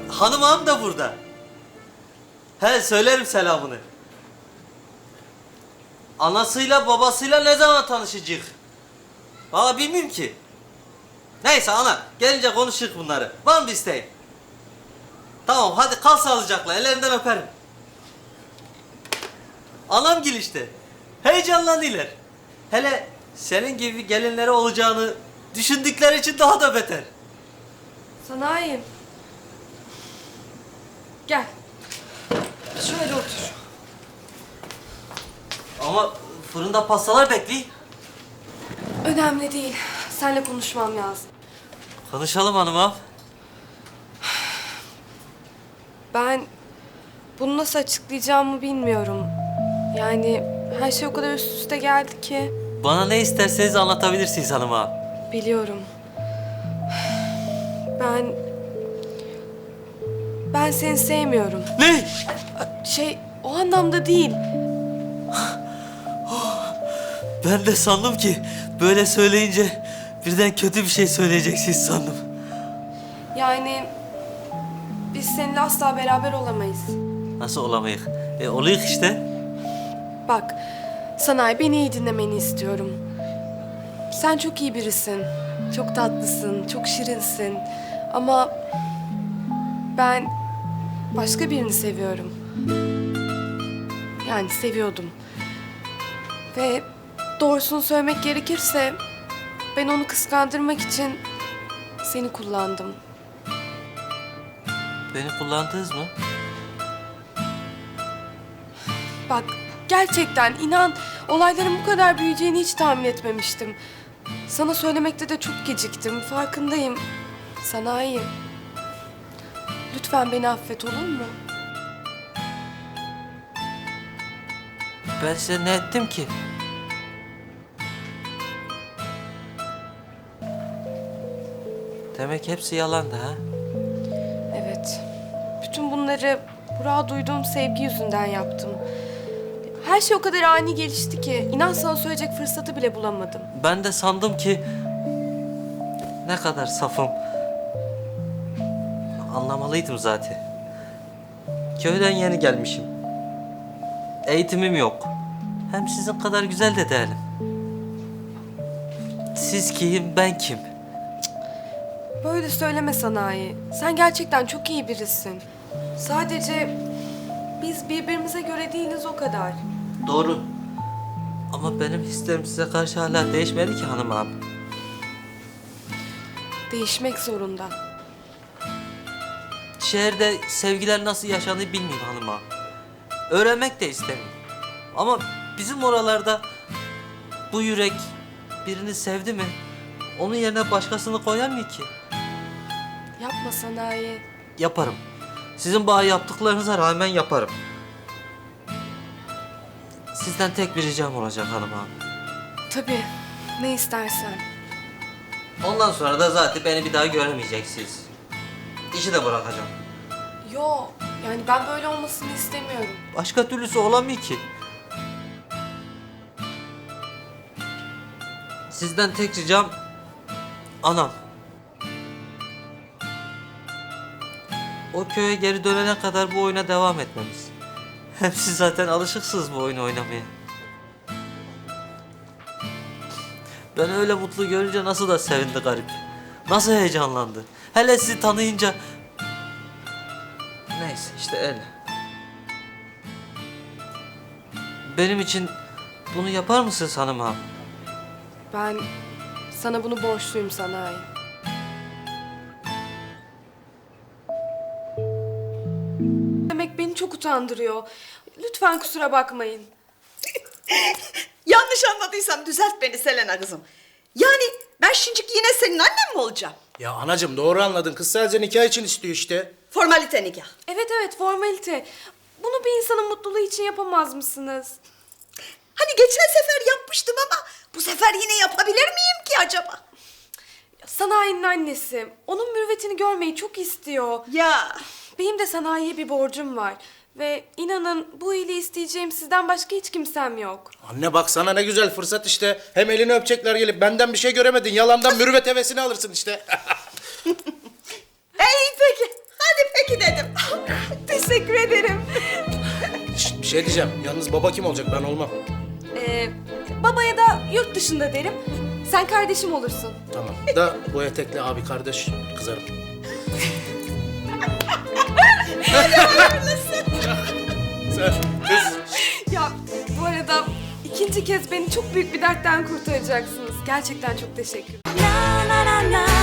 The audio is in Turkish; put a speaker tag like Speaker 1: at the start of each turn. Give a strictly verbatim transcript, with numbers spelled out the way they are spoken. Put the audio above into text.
Speaker 1: hanım ağam da burada. He, söylerim selamını. Anasıyla babasıyla ne zaman tanışacak? Valla bilmiyorum ki. Neyse ana, gelince konuşuruz bunları. Var mı bir isteğin? Tamam, hadi kal sağlıcakla, ellerinden öperim. Anam gel işte. Heyecanlanıyorlar. Hele senin gibi gelinleri olacağını düşündükleri için daha da beter.
Speaker 2: Sanayim. Gel. Şöyle otur.
Speaker 1: Ama fırında pastalar bekliyor.
Speaker 2: Önemli değil. Seninle konuşmam lazım.
Speaker 1: Konuşalım hanım ağam.
Speaker 2: Ben bunu nasıl açıklayacağımı bilmiyorum. Yani her şey o kadar üst üste geldi ki.
Speaker 1: Bana ne isterseniz anlatabilirsiniz hanım ağam.
Speaker 2: Biliyorum. Ben... Ben seni sevmiyorum.
Speaker 1: Ne?
Speaker 2: Şey, o anlamda değil.
Speaker 1: Ben de sandım ki böyle söyleyince birden kötü bir şey söyleyeceksiniz sandım.
Speaker 2: Yani biz seninle asla beraber olamayız.
Speaker 1: Nasıl olamayız? E oluyor işte.
Speaker 2: Bak, Sanayi, beni iyi dinlemeni istiyorum. Sen çok iyi birisin. Çok tatlısın, çok şirinsin. Ama ben başka birini seviyorum. Yani seviyordum. Ve doğrusunu söylemek gerekirse ben onu kıskandırmak için seni kullandım.
Speaker 1: Beni kullandınız mı?
Speaker 2: Bak, gerçekten inan, olayların bu kadar büyüyeceğini hiç tahmin etmemiştim. Sana söylemekte de çok geciktim, farkındayım. Sanayi, lütfen beni affet, olur mu?
Speaker 1: Ben size ne ettim ki? Demek hepsi yalandı ha?
Speaker 2: Evet, bütün bunları Burak'a duyduğum sevgi yüzünden yaptım. Her şey o kadar ani gelişti ki, inan sana söyleyecek fırsatı bile bulamadım.
Speaker 1: Ben de sandım ki ne kadar safım. Anlamalıydım zaten. Köyden yeni gelmişim. Eğitimim yok. Hem sizin kadar güzel de değilim. Siz kim, ben kim?
Speaker 2: Böyle söyleme Sanayi. Sen gerçekten çok iyi birisin. Sadece biz birbirimize göre değiliz, o kadar.
Speaker 1: Doğru. Ama benim hislerim size karşı hala değişmedi ki hanım abi.
Speaker 2: Değişmek zorunda.
Speaker 1: Şehirde sevgiler nasıl yaşanır bilmiyorum hanım abi. Öğrenmek de istemiyorum. Ama bizim oralarda bu yürek birini sevdi mi onun yerine başkasını koyamıyor ki.
Speaker 2: Yapma Sanayi.
Speaker 1: Yaparım. Sizin bana yaptıklarınıza rağmen yaparım. Sizden tek bir ricam olacak hanım abi.
Speaker 2: Tabii, ne istersen.
Speaker 1: Ondan sonra da zaten beni bir daha göremeyeceksiniz. İşi de bırakacağım.
Speaker 2: Yo, yani ben böyle olmasını istemiyorum.
Speaker 1: Başka türlüsü olamıyor ki. Sizden tek ricam anam. O köye geri dönene kadar bu oyuna devam etmemiz. Hem siz zaten alışıksınız bu oyunu oynamaya. Ben öyle mutlu görünce nasıl da sevindi garip. Nasıl heyecanlandı. Hele sizi tanıyınca... Neyse işte öyle. Benim için bunu yapar mısınız hanım ağam?
Speaker 2: Ben sana bunu borçluyum Sanayi. Demek beni çok utandırıyor. Lütfen kusura bakmayın.
Speaker 3: Yanlış anladıysam düzelt beni Selena kızım. Yani ben şimdiki yine senin annen mi olacağım?
Speaker 4: Ya anacığım doğru anladın. Kız sadece nikah için istiyor işte.
Speaker 3: Formalite nikah.
Speaker 2: Evet evet, formalite. Bunu bir insanın mutluluğu için yapamaz mısınız?
Speaker 3: Hani geçen sefer yapmıştım ama bu sefer yine yapabilir miyim ki acaba?
Speaker 2: Sanayi'nin annesi. Onun mürüvvetini görmeyi çok istiyor.
Speaker 3: Ya
Speaker 2: Benim de sanayiye bir borcum var. Ve inanın bu iyiliği isteyeceğim sizden başka hiç kimsem yok.
Speaker 4: Anne bak sana ne güzel fırsat işte. Hem elini öpecekler gelip benden bir şey göremedin. Yalandan mürüvvet hevesini alırsın işte.
Speaker 3: iyi peki. Hadi peki de
Speaker 4: Şey diyeceğim, yalnız baba kim olacak? Ben olmam.
Speaker 2: Ee, babaya da yurt dışında derim. Sen kardeşim olursun.
Speaker 4: Tamam. Da bu etekli abi kardeş kızarım. Sen kız.
Speaker 2: Ya bu arada ikinci kez beni çok büyük bir dertten kurtaracaksınız. Gerçekten çok teşekkür ederim.
Speaker 5: na na na na